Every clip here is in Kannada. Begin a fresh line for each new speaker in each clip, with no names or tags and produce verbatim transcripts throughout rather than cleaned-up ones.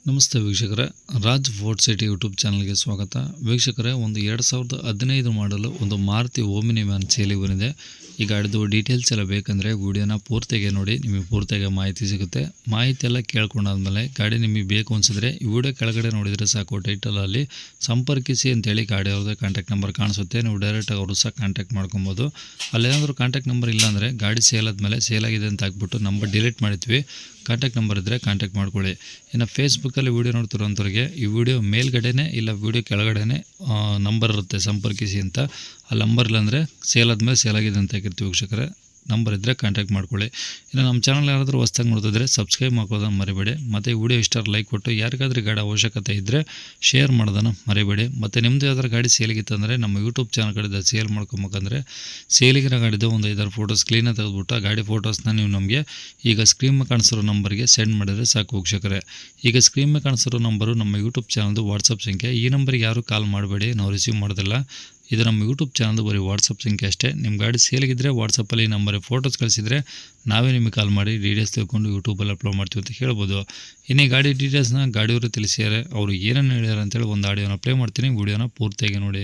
ನಮಸ್ತೆ ವೀಕ್ಷಕರೇ, ರಾಜ್ ಫೋರ್ಟ್ ಸಿಟಿ ಯೂಟ್ಯೂಬ್ ಚಾನಲ್ಗೆ ಸ್ವಾಗತ. ವೀಕ್ಷಕರೇ, ಒಂದು ಎರಡು ಸಾವಿರದ ಹದಿನೈದು ಮಾಡಲು ಒಂದು ಮಾರುತಿ ಓಮಿನಿ ವ್ಯಾನ್ ಸೇಲಿಗೆ ಬಂದಿದೆ. ಈ ಗಾಡಿದು ಡೀಟೇಲ್ಸ್ ಎಲ್ಲ ಬೇಕಂದರೆ ವಿಡಿಯೋನ ಪೂರ್ತಿಗೆ ನೋಡಿ, ನಿಮಗೆ ಪೂರ್ತಿಗೆ ಮಾಹಿತಿ ಸಿಗುತ್ತೆ. ಮಾಹಿತಿ ಎಲ್ಲ ಕೇಳ್ಕೊಂಡಾದ್ಮೇಲೆ ಗಾಡಿ ನಿಮಗೆ ಬೇಕು ಅನಿಸಿದ್ರೆ ಈ ವಿಡಿಯೋ ಕೆಳಗಡೆ ನೋಡಿದರೆ ಸಾಕು, ಟೈಟಲಲ್ಲಿ ಸಂಪರ್ಕಿಸಿ ಅಂತೇಳಿ ಗಾಡಿ ಅವ್ರದ್ದು ಕಾಂಟ್ಯಾಕ್ಟ್ ನಂಬರ್ ಕಾಣಿಸುತ್ತೆ. ನೀವು ಡೈರೆಕ್ಟಾಗಿ ಅವರು ಸಹ ಕಾಂಟ್ಯಾಕ್ಟ್ ಮಾಡ್ಕೊಬೋದು. ಅಲ್ಲೇನಾದರೂ ಕಾಂಟ್ಯಾಕ್ಟ್ ನಂಬರ್ ಇಲ್ಲ ಅಂದರೆ ಗಾಡಿ ಸೇಲ್ ಆದಮೇಲೆ ಸೇಲ್ ಆಗಿದೆ ಅಂತ ಹಾಕ್ಬಿಟ್ಟು ನಂಬರ್ ಡಿಲೀಟ್ ಮಾಡಿದ್ವಿ. ಕಾಂಟ್ಯಾಕ್ಟ್ ನಂಬರ್ ಇದ್ದರೆ ಕಾಂಟ್ಯಾಕ್ಟ್ ಮಾಡ್ಕೊಳ್ಳಿ. ಇನ್ನು ಫೇಸ್ಬುಕ್ಕಲ್ಲಿ ವೀಡಿಯೋ ನೋಡ್ತಿರೋಂಥವ್ರಿಗೆ ಈ ವಿಡಿಯೋ ಮೇಲ್ಗಡೆನೇ ಇಲ್ಲ ವಿಡಿಯೋ ಕೆಳಗಡೆನೇ ನಂಬರ್ ಇರುತ್ತೆ ಸಂಪರ್ಕಿಸಿ ಅಂತ. ಆ ನಂಬರ್ ಇಲ್ಲಾಂದರೆ ಸೇಲ್ ಆದಮೇಲೆ ಸೇಲ್ ಆಗಿದೆ ಅಂತ ಹಾಕಿರ್ತೀವಿ ವೀಕ್ಷಕರೇ. ನಂಬರ್ ಇದ್ದರೆ ಕಾಂಟ್ಯಾಕ್ಟ್ ಮಾಡ್ಕೊಳ್ಳಿ. ಇನ್ನು ನಮ್ಮ ಚಾನಲ್ ಯಾರಾದರೂ ಹೊಸ್ದಾಗಿ ನೋಡ್ತಿದ್ರೆ ಸಬ್ಸ್ಕ್ರೈಬ್ ಮಾಡ್ಕೊಳ್ಳೋದನ್ನು ಮರಿಬೇಡಿ. ಮತ್ತು ಈ ವಿಡಿಯೋ ಇಷ್ಟ ಲೈಕ್ ಕೊಟ್ಟು ಯಾರಿಗಾದ್ರೂ ಗಾಡಿ ಅವಶ್ಯಕತೆ ಇದ್ದರೆ ಶೇರ್ ಮಾಡೋದನ್ನು ಮರಿಬೇಡಿ. ಮತ್ತು ನಿಮ್ಮದು ಯಾವ್ದಾರು ಗಾಡಿ ಸೇಲಿಗಿತ್ತಂದರೆ ನಮ್ಮ ಯೂಟ್ಯೂಬ್ ಚಾನಲ್ ಕಡೆದ ಸೇಲ್ ಮಾಡ್ಕೊಬೇಕಂದ್ರೆ ಸೇಲಿಗಿರೋ ಗಾಡಿದು ಒಂದು ಐದಾರು ಫೋಟೋಸ್ ಕ್ಲೀನಾಗಿ ತೆಗೆದುಬಿಟ್ಟು ಆ ಗಾಡಿ ಫೋಟೋಸ್ನ ನೀವು ನಮಗೆ ಈಗ ಸ್ಕ್ರೀನ್ ಮೇಲೆ ಕಾಣಿಸಿರೋ ನಂಬರ್ಗೆ ಸೆಂಡ್ ಮಾಡಿದರೆ ಸಾಕು ವೀಕ್ಷಕರೇ. ಈಗ ಸ್ಕ್ರೀನ್ ಮೇಲೆ ಕಾಣಿಸಿರೋ ನಂಬರು ನಮ್ಮ ಯೂಟ್ಯೂಬ್ ಚಾನಲ್ದು ವಾಟ್ಸಪ್ ಸಂಖ್ಯೆ. ಈ ನಂಬರ್ಗೆ ಯಾರೂ ಕಾಲ್ ಮಾಡಬೇಡಿ, ನಾವು ರಿಸೀವ್ ಮಾಡೋದಿಲ್ಲ. ಇದು ನಮ್ಮ ಯೂಟ್ಯೂಬ್ ಚಾನಲ್ದು ಬರೀ ವಾಟ್ಸಪ್ ಸಂಖ್ಯೆ ಅಷ್ಟೇ. ನಿಮ್ಮ ಗಾಡಿ ಸೇಲಿಗಿದ್ದರೆ ವಾಟ್ಸಪ್ಪಲ್ಲಿ ನಂಬರಿಗೆ ಫೋಟೋಸ್ ಕಳಿಸಿದರೆ ನಾವೇ ನಿಮಗೆ ಕಾಲ್ ಮಾಡಿ ಡೀಟೇಲ್ಸ್ ತಿಳ್ಕೊಂಡು ಯೂಟ್ಯೂಬಲ್ಲಿ ಅಪ್ಲೋಡ್ ಮಾಡ್ತೀವಿ ಅಂತ ಹೇಳ್ಬೋದು. ಇನ್ನು ಈ ಗಾಡಿ ಡೀಟೇಲ್ಸ್ನ ಗಾಡಿಯವರು ತಿಳಿಸಿದ್ದಾರೆ, ಅವರು ಏನೇನು ಹೇಳ್ಯಾರ ಅಂತೇಳಿ ಒಂದು ಆಡಿಯೋನ ಪ್ಲೇ ಮಾಡ್ತೀನಿ, ವಿಡಿಯೋನ ಪೂರ್ತಿಯಾಗಿ ನೋಡಿ.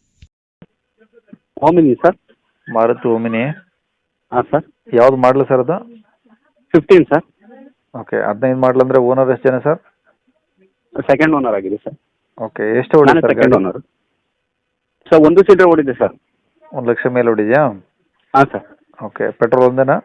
Omni sir.
ಮಾರುತಿ ಓಮಿನಿ.
ಹಾಂ ಸರ್.
ಯಾವ್ದು ಮಾಡಲು ಸರ್ ಅದು?
Fifteen sir.
ಓಕೆ, ಹದಿನೈದು ಮಾಡಲ್ ಅಂದರೆ ಓನರ್ ಎಷ್ಟು ಜನ ಸರ್?
ಸೆಕೆಂಡ್ ಓನರ್ ಆಗಿದೆ ಸರ್.
ಓಕೆ, ಎಷ್ಟು ಓಡಿದೆ ಸರ್
ಸೆಕೆಂಡ್
ಗಾಡಿ?
Owner sir. ಒಂದು ಸೀಟರ್ ಓಡಿದೆ ಸರ್.
ಒಂದು ಲಕ್ಷ ಮೇಲೆ ಓಡಿದೆಯಾ?
ಹಾಂ ಸರ್.
ಓಕೆ, ಪೆಟ್ರೋಲ್ ಒಂದೇನಾ?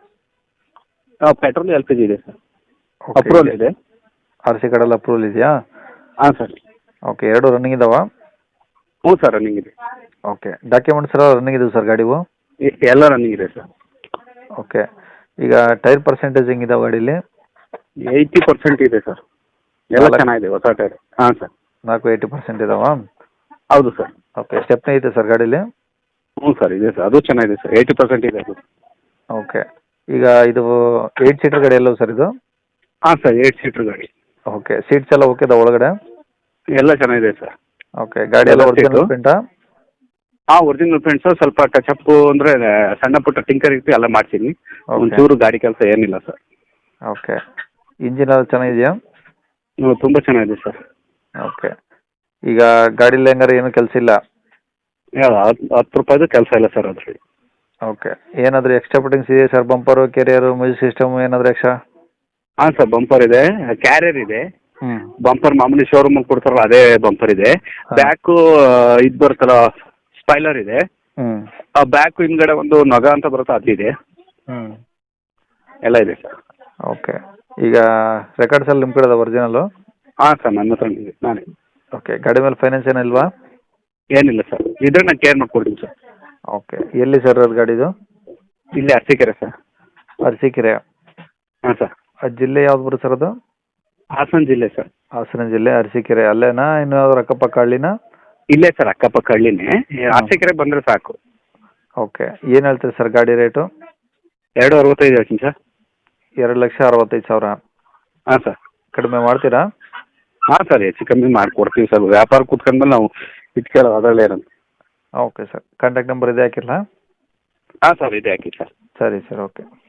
ಪೆಟ್ರೋಲ್ ಎಲ್ ಪಿ ಜಿ ಇದೆ ಸರ್.
ಓಕೆ,
ಅಪ್ರೂವಲ್ ಇದೆ.
ಆರ್ ಸಿ ಕಾರ್ಡಲ್ಲಿ ಅಪ್ರೂವಲ್ ಇದೆಯಾ?
ಹಾಂ ಸರ್.
ಓಕೆ, ಎರಡು ರನ್ನಿಂಗ್ ಇದಾವ?
ಹ್ಞೂ ಸರ್, ರನ್ನಿಂಗ್ ಇದೆ.
ಓಕೆ, ಡಾಕ್ಯುಮೆಂಟ್ಸ್ ಎಲ್ಲ ರನ್ನಿಂಗ್ ಇದಾವೆ ಸರ್ ಗಾಡಿವು?
ಎ- ಎಲ್ಲ ರನ್ನಿಂಗ್ ಇದೆ ಸರ್.
ಓಕೆ, ಈಗ ಟೈರ್ ಪರ್ಸೆಂಟೇಜ್ ಹೆಂಗಿದಾವೆ ಗಾಡೀಲಿ?
ಏಯ್ಟಿ ಪರ್ಸೆಂಟ್ ಇದೆ ಸರ್. ಎಲ್ಲ
ನಾಲ್ಕು-
ಚೆನ್ನಾಗಿದೆ, ಹೊಸ ಟೈರ್. ಹಾಂ ಸರ್.
ನಾಲ್ಕು ಏಯ್ಟಿ ಪರ್ಸೆಂಟ್ ಇದಾವಾ?
ಹೌದು ಸರ್.
ಓಕೆ, ಸ್ಟೆಪ್ನೇ ಐತೆ ಸರ್ ಗಾಡೀಲಿ?
ಹ್ಞೂ ಸರ್, ಇದೆ ಸರ್. ಅದು ಚೆನ್ನಾಗಿದೆ ಸರ್. ಏಯ್ಟಿ ಪರ್ಸೆಂಟ್ ಇದೆ ಅದು.
ಓಕೆ, ಈಗ ಇದು ಏಯ್ಟ್ ಸೀಟರ್ ಗಾಡಿ ಎಲ್ಲವು ಸರ್ ಇದು?
ಹಾಂ ಸರ್, ಏಯ್ಟ್ ಸೀಟ್ರ್ ಗಾಡಿ.
ಓಕೆ, ಸೀಟ್ಸ್ ಎಲ್ಲ ಓಕೆ ಇದಾವೆ ಒಳಗಡೆ?
ಎಲ್ಲ ಚೆನ್ನಾಗಿದೆ ಸರ್.
ಓಕೆ, ಗಾಡಿ ಎಲ್ಲ
ಎಲ್ಲ
ಒರಿಜಿನಲ್
seat.
ಪ್ರಿಂಟಾ?
ಹಾಂ, ಒರಿಜಿನಲ್ ಫ್ರೆಂಡ್ಸು ಸ್ವಲ್ಪ ಟಚಪ್ ಅಂದರೆ ಸಣ್ಣ ಪುಟ್ಟ ಟಿಂಕರ್ ಇತ್ತು, ಎಲ್ಲ ಮಾಡ್ತೀನಿ.
Okay.
ಒಂಚೂರು ಗಾಡಿ ಕೆಲಸ ಏನಿಲ್ಲ ಸರ್.
ಓಕೆ, ಇಂಜಿನ್ ಎಲ್ಲ ಚೆನ್ನಾಗಿದೆಯಾ?
ಹ್ಞೂ, ತುಂಬ ಚೆನ್ನಾಗಿದೆ ಸರ್.
ಓಕೆ, ಈಗ ಗಾಡೀಲಿ ಹೆಂಗಾರೆ ಏನು ಕೆಲಸ ಇಲ್ಲ?
ಯಾವ ಹತ್ತು ಹತ್ತು ರೂಪಾಯಿದು ಕೆಲಸ ಇಲ್ಲ ಸರ್ ಅದರಲ್ಲಿ.
ಓಕೆ, ಏನಾದರೂ ಎಕ್ಸ್ಟ್ರಾ ಫಿಟ್ಟಿಂಗ್ಸ್ ಇದೆಯಾ sir? Bumper, carrier, music system ಏನಾದರೂ ಎಕ್ಸ್ಟ್ರಾ?
ಹಾಂ ಸರ್, ಬಂಪರ್ ಇದೆ, ಕ್ಯಾರಿಯರ್ ಇದೆ.
ಹ್ಞೂ.
ಬಂಪರ್ ಮಾಮೂಲಿ ಶೋರೂಮಲ್ಲಿ ಕೊಡ್ತಾರಲ್ಲ ಅದೇ ಬಂಪರ್ ಇದೆ.
ಹಾ.
ಬ್ಯಾಕು ಇದು ಬರುತ್ತಲ್ಲ ಸ್ಪೈಲರ್ ಇದೆ.
ಹ್ಞೂ.
ಆ ಬ್ಯಾಕು ಹಿಂದ್ಗಡೆ ಒಂದು ನಗ ಅಂತ ಬರುತ್ತೆ ಅದಿದೆ.
ಹ್ಞೂ.
ಎಲ್ಲ ಇದೆ ಸರ್.
ಓಕೆ, ಈಗ ರೆಕಾರ್ಡ್ಸ್ ಎಲ್ಲ ನಿಮ್ಮ ಕಡೆ ಅದ ಒರಿಜಿನಲ್ಲು?
ಹಾಂ ಸರ್, ನನ್ನ ಹತ್ರ ಇದೆ, ನಾನೇ.
ಓಕೆ, ಗಾಡಿ ಮೇಲೆ ಫೈನಾನ್ಸ್ ಏನಿಲ್ವಾ?
ಏನಿಲ್ಲ ಸರ್, ಇದ್ರೆ ನಾನು ಕೇರ್ ಮಾಡ್ಕೊಡ್ತೀನಿ ಸರ್.
ಓಕೆ, ಎಲ್ಲಿ ಸರ್ ಅದು ಗಾಡಿದು?
ಇಲ್ಲಿ ಅರಸೀಕೆರೆ ಸರ್.
ಅರಸೀಕೆರೆ.
ಹಾಂ ಸರ್.
ಆ ಜಿಲ್ಲೆ ಯಾವ್ದು ಬರುತ್ತೆ ಸರ್ ಅದು?
ಹಾಸನ ಜಿಲ್ಲೆ ಸರ್.
ಹಾಸನ ಜಿಲ್ಲೆ, ಅರಸೀಕೆರೆ ಅಲ್ಲೇನಾ? ಇನ್ನು ಯಾವ್ದಾದ್ರು ಅಕ್ಕಪಕ್ಕ ಹಳ್ಳಿನಾ?
ಇಲ್ಲೇ ಸರ್, ಅಕ್ಕಪಕ್ಕ ಹಳ್ಳಿನೇ. ಅರಸೀಕೆರೆ ಬಂದರೆ ಸಾಕು.
ಓಕೆ, ಏನು ಹೇಳ್ತೀರಿ ಸರ್ ಗಾಡಿ ರೇಟು?
ಎರಡು ಅರವತ್ತೈದು ಹೇಳ್ತೀನಿ ಸರ್.
ಎರಡು ಲಕ್ಷ ಅರವತ್ತೈದು ಸಾವಿರ.
ಹಾಂ ಸರ್.
ಕಡಿಮೆ ಮಾಡ್ತೀರಾ?
ಹಾಂ ಸರ್, ಹೆಚ್ಚು ಕಮ್ಮಿ ಮಾಡಿಕೊಡ್ತೀವಿ ಸರ್. ವ್ಯಾಪಾರ ಕೂತ್ಕೊಂಡ್ಮೇಲೆ ನಾವು ಇಟ್ಕೊಳ್ಳೋದು ಅದರಲ್ಲೇ ಇರೋದು.
ಓಕೆ ಸರ್, ಕಾಂಟ್ಯಾಕ್ಟ್ ನಂಬರ್ ಇದೆ ಹಾಕಿರಲಾ?
ಹಾಂ ಸರ್, ಇದೆ ಹಾಕಿ ಸರ್.
ಸರಿ ಸರ್, ಓಕೆ.